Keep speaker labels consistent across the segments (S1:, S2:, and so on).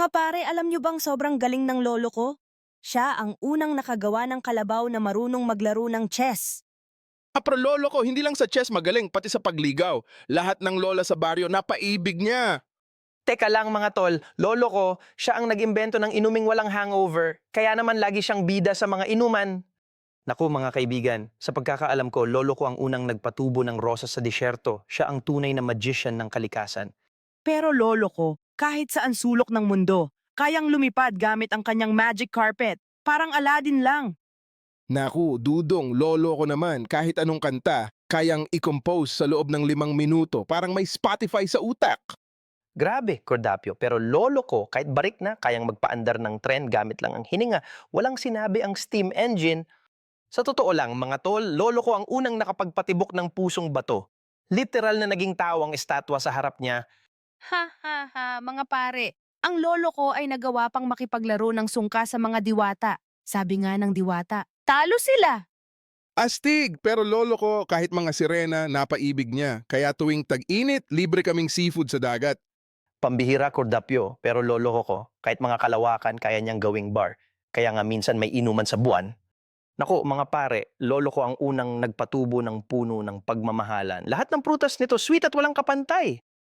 S1: Mga pare, alam nyo bang sobrang galing ng lolo ko? Siya ang unang nakagawa ng kalabaw na marunong maglaro ng chess.
S2: Pero lolo ko, hindi lang sa chess magaling, pati sa pagligaw. Lahat ng lola sa baryo, napaibig niya.
S3: Teka lang mga tol, lolo ko, siya ang nag-imbento ng inuming walang hangover, kaya naman lagi siyang bida sa mga inuman. Naku mga kaibigan, sa pagkakaalam ko, lolo ko ang unang nagpatubo ng rosas sa disyerto. Siya ang tunay na magician ng kalikasan.
S1: Pero lolo ko, kahit saan sulok ng mundo, kayang lumipad gamit ang kanyang magic carpet. Parang Aladdin lang.
S2: Naku, dudong, lolo ko naman, kahit anong kanta, kayang i-compose sa loob ng 5 minuto. Parang may Spotify sa utak.
S3: Grabe, Cordapio, pero lolo ko, kahit barik na, kayang magpaandar ng tren gamit lang ang hininga. Walang sinabi ang steam engine. Sa totoo lang, mga tol, lolo ko ang unang nakapagpatibok ng pusong bato. Literal na naging tao ang estatwa sa harap niya.
S1: Ha ha ha, mga pare. Ang lolo ko ay nagawa pang makipaglaro ng sungka sa mga diwata. Sabi nga ng diwata, talo sila.
S2: Astig, pero lolo ko, kahit mga sirena, napaibig niya. Kaya tuwing tag-init, libre kaming seafood sa dagat.
S3: Pambihira, Cordapio, pero lolo ko, kahit mga kalawakan, kaya niyang gawing bar. Kaya nga minsan may inuman sa buwan. Naku, mga pare, lolo ko ang unang nagpatubo ng puno ng pagmamahalan. Lahat ng prutas nito, sweet at walang kapantay.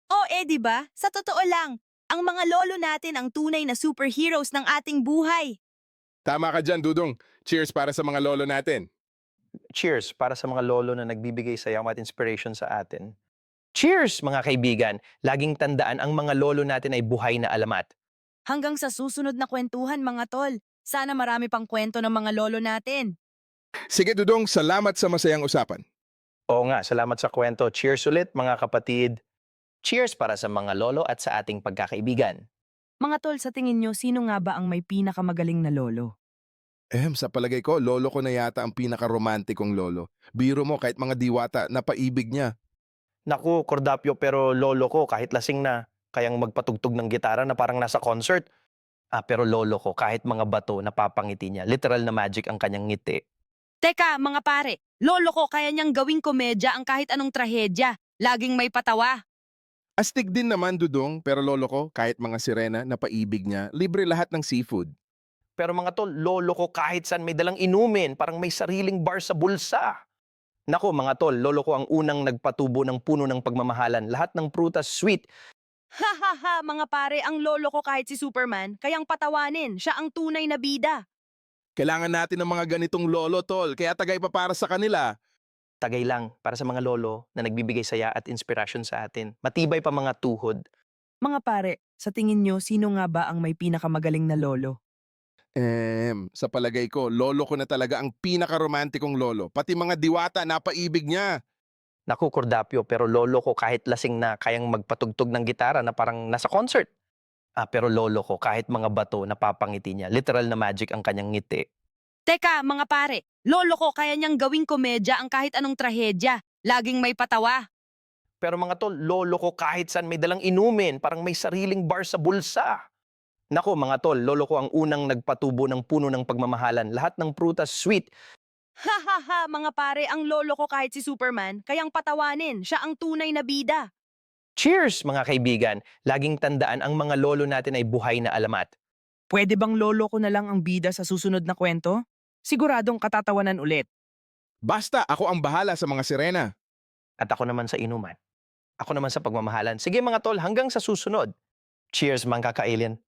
S1: Di ba? Sa totoo lang, ang mga lolo natin ang tunay na superheroes ng ating buhay.
S2: Tama ka dyan, Dudong. Cheers para sa mga lolo natin.
S3: Cheers para sa mga lolo na nagbibigay saya at inspiration sa atin. Cheers, mga kaibigan! Laging tandaan ang mga lolo natin ay buhay na alamat.
S1: Hanggang sa susunod na kwentuhan, mga tol. Sana marami pang kwento ng mga lolo natin.
S2: Sige, Dudong, salamat sa masayang usapan.
S3: Oo nga, salamat sa kwento. Cheers ulit, mga kapatid. Cheers para sa mga lolo at sa ating pagkakaibigan.
S1: Mga tol, sa tingin nyo, sino nga ba ang may pinakamagaling na lolo?
S2: Sa palagay ko, lolo ko na yata ang pinaka-romantikong lolo. Biro mo, kahit mga diwata, napaibig niya.
S3: Naku, Cordapio, pero lolo ko kahit lasing na, kayang magpatugtog ng gitara na parang nasa concert. Pero lolo ko kahit mga bato napapangiti niya. Literal na magic ang kanyang ngiti.
S1: Teka, mga pare, lolo ko kaya niyang gawing komedya ang kahit anong trahedya. Laging may patawa.
S2: Astig din naman, Dudong, pero lolo ko, kahit mga sirena, napaibig niya, libre lahat ng seafood.
S3: Pero mga tol, lolo ko kahit saan may dalang inumin, parang may sariling bar sa bulsa. Naku mga tol, lolo ko ang unang nagpatubo ng puno ng pagmamahalan. Lahat ng prutas sweet.
S1: Ha ha ha, mga pare, ang lolo ko kahit si Superman, kayang patawanin. Siya ang tunay na bida.
S2: Kailangan natin ng mga ganitong lolo, tol, kaya tagay pa para sa kanila.
S3: Tagay lang para sa mga lolo na nagbibigay saya at inspirasyon sa atin. Matibay pa mga tuhod.
S1: Mga pare, sa tingin nyo, sino nga ba ang may pinakamagaling na lolo?
S2: Sa palagay ko, lolo ko na talaga ang pinaka-romantikong lolo. Pati mga diwata, napaibig niya.
S3: Naku, Cordapio, pero lolo ko kahit lasing na kayang magpatugtog ng gitara na parang nasa concert. Pero lolo ko kahit mga bato napapangiti niya. Literal na magic ang kanyang ngiti.
S1: Teka, mga pare, lolo ko kaya niyang gawing komedya ang kahit anong trahedya. Laging may patawa.
S3: Pero mga tol, lolo ko kahit saan may dalang inumin, parang may sariling bar sa bulsa. Naku, mga tol, lolo ko ang unang nagpatubo ng puno ng pagmamahalan. Lahat ng prutas sweet.
S1: Ha ha ha, mga pare, ang lolo ko kahit si Superman, kayang patawanin. Siya ang tunay na bida.
S3: Cheers, mga kaibigan! Laging tandaan ang mga lolo natin ay buhay na alamat.
S1: Pwede bang lolo ko na lang ang bida sa susunod na kwento? Siguradong katatawanan ulit.
S2: Basta, ako ang bahala sa mga sirena.
S3: At ako naman sa inuman. Ako naman sa pagmamahalan. Sige mga tol, hanggang sa susunod. Cheers, mga kaka-alien!